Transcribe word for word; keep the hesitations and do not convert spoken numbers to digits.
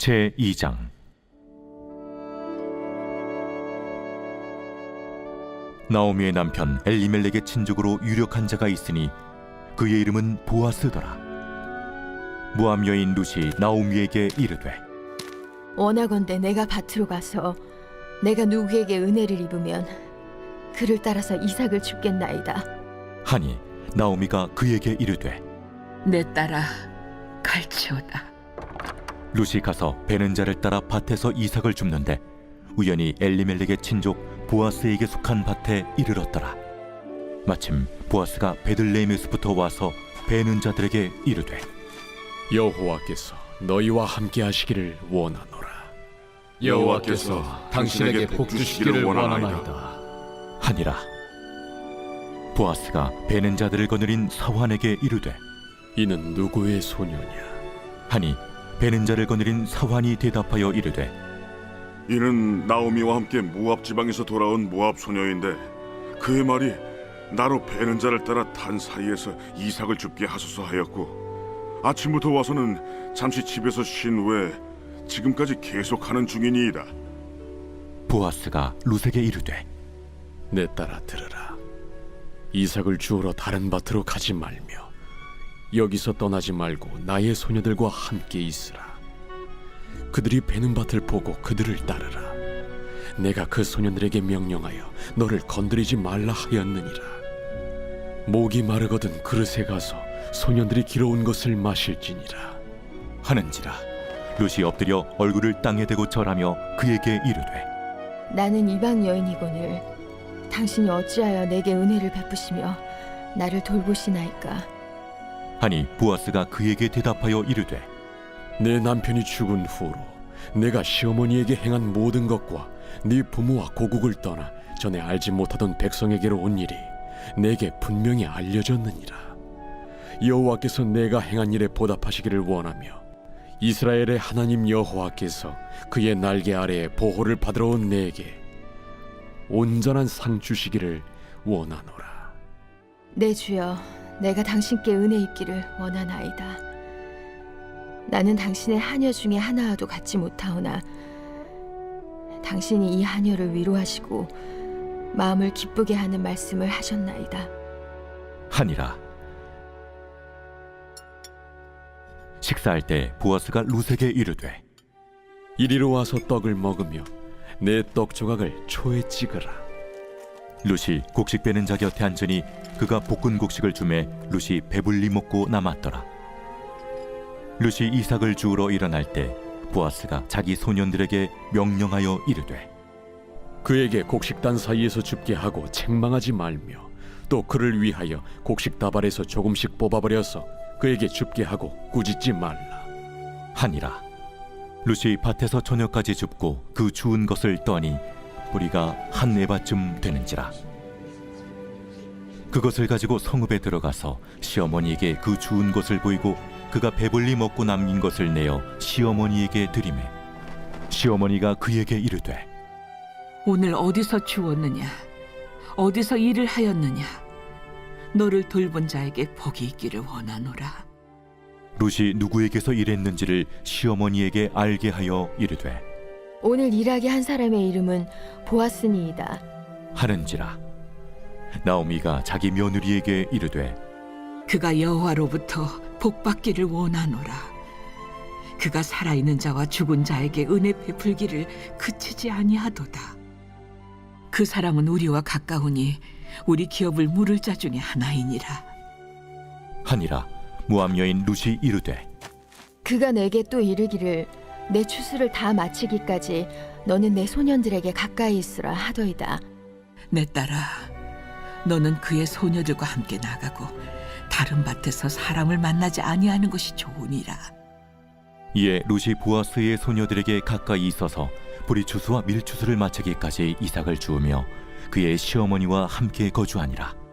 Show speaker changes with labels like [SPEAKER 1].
[SPEAKER 1] 제이 장. 나오미의 남편 엘리멜렉의 친족으로 유력한 자가 있으니 그의 이름은 보아스더라. 모압 여인 룻이 나오미에게 이르되,
[SPEAKER 2] 원하건대 내가 밭으로 가서 내가 누구에게 은혜를 입으면 그를 따라서 이삭을 줍겠나이다.
[SPEAKER 1] 하니 나오미가 그에게 이르되,
[SPEAKER 3] 내 딸아, 갈치오다.
[SPEAKER 1] 룻이 가서 베는 자를 따라 밭에서 이삭을 줍는데 우연히 엘리멜렉의 친족 보아스에게 속한 밭에 이르렀더라. 마침 보아스가 베들레헴에서부터 와서 베는 자들에게 이르되,
[SPEAKER 4] 여호와께서 너희와 함께 하시기를 원하노라.
[SPEAKER 5] 여호와께서 당신에게 복 주시기를 원하나이다.
[SPEAKER 1] 하니라. 보아스가 베는 자들을 거느린 사환에게 이르되,
[SPEAKER 4] 이는 누구의 소녀냐?
[SPEAKER 1] 하니 베는 자를 거느린 사환이 대답하여 이르되,
[SPEAKER 5] 이는 나오미와 함께 모압 지방에서 돌아온 모압 소녀인데 그의 말이 나로 베는 자를 따라 단 사이에서 이삭을 줍게 하소서 하였고 아침부터 와서는 잠시 집에서 쉰 후에 지금까지 계속하는 중이니이다.
[SPEAKER 1] 보아스가 룻에게 이르되,
[SPEAKER 4] 내 딸아 들으라. 이삭을 주우러 다른 밭으로 가지 말며 여기서 떠나지 말고 나의 소녀들과 함께 있으라. 그들이 베는 밭을 보고 그들을 따르라. 내가 그 소년들에게 명령하여 너를 건드리지 말라 하였느니라. 목이 마르거든 그릇에 가서 소년들이 길어온 것을 마실지니라.
[SPEAKER 1] 하는지라. 룻이 엎드려 얼굴을 땅에 대고 절하며 그에게 이르되,
[SPEAKER 2] 나는 이방 여인이거늘 당신이 어찌하여 내게 은혜를 베푸시며 나를 돌보시나이까.
[SPEAKER 1] 하니 보아스가 그에게 대답하여 이르되,
[SPEAKER 4] 내 남편이 죽은 후로 내가 시어머니에게 행한 모든 것과 네 부모와 고국을 떠나 전에 알지 못하던 백성에게로 온 일이 내게 분명히 알려졌느니라. 여호와께서 내가 행한 일에 보답하시기를 원하며 이스라엘의 하나님 여호와께서 그의 날개 아래에 보호를 받으러 온 내게 온전한 상 주시기를 원하노라.
[SPEAKER 2] 내 주여, 내가 당신께 은혜 입기를 원하나이다. 나는 당신의 하녀 중에 하나와도 같지 못하오나 당신이 이 하녀를 위로하시고 마음을 기쁘게 하는 말씀을 하셨나이다.
[SPEAKER 1] 하니라. 식사할 때 보아스가 룻에게 이르되,
[SPEAKER 4] 이리로 와서 떡을 먹으며 내 떡 조각을 초에 찍으라.
[SPEAKER 1] 룻이 곡식 빼는 자 곁에 앉으니 그가 볶은 곡식을 주매 룻이 배불리 먹고 남았더라. 룻이 이삭을 주우러 일어날 때 보아스가 자기 소년들에게 명령하여 이르되,
[SPEAKER 4] 그에게 곡식단 사이에서 줍게 하고 책망하지 말며 또 그를 위하여 곡식 다발에서 조금씩 뽑아버려서 그에게 줍게 하고 꾸짖지 말라.
[SPEAKER 1] 하니라. 룻이 밭에서 저녁까지 줍고 그 주운 것을 떠니 뿌리가 한 에바쯤 되는지라. 그것을 가지고 성읍에 들어가서 시어머니에게 그 주운 것을 보이고 그가 배불리 먹고 남긴 것을 내어 시어머니에게 드리매 시어머니가 그에게 이르되,
[SPEAKER 3] 오늘 어디서 주웠느냐? 어디서 일을 하였느냐? 너를 돌본 자에게 복이 있기를 원하노라.
[SPEAKER 1] 룻이 누구에게서 일했는지를 시어머니에게 알게 하여 이르되,
[SPEAKER 2] 오늘 일하게 한 사람의 이름은 보아스니이다.
[SPEAKER 1] 하는지라. 나오미가 자기 며느리에게 이르되,
[SPEAKER 3] 그가 여호와로부터 복받기를 원하노라. 그가 살아있는 자와 죽은 자에게 은혜 베풀기를 그치지 아니하도다. 그 사람은 우리와 가까우니 우리 기업을 물을 자 중에 하나이니라.
[SPEAKER 1] 하니라. 모압 여인 룻이 이르되,
[SPEAKER 2] 그가 내게 또 이르기를 내 추수를 다 마치기까지 너는 내 소년들에게 가까이 있으라 하더이다.
[SPEAKER 3] 내 딸아, 너는 그의 소녀들과 함께 나가고 다른 밭에서 사람을 만나지 아니하는 것이 좋으니라.
[SPEAKER 1] 이에 룻이 보아스의 소녀들에게 가까이 있어서 보리추수와 밀추수를 마치기까지 이삭을 주우며 그의 시어머니와 함께 거주하니라.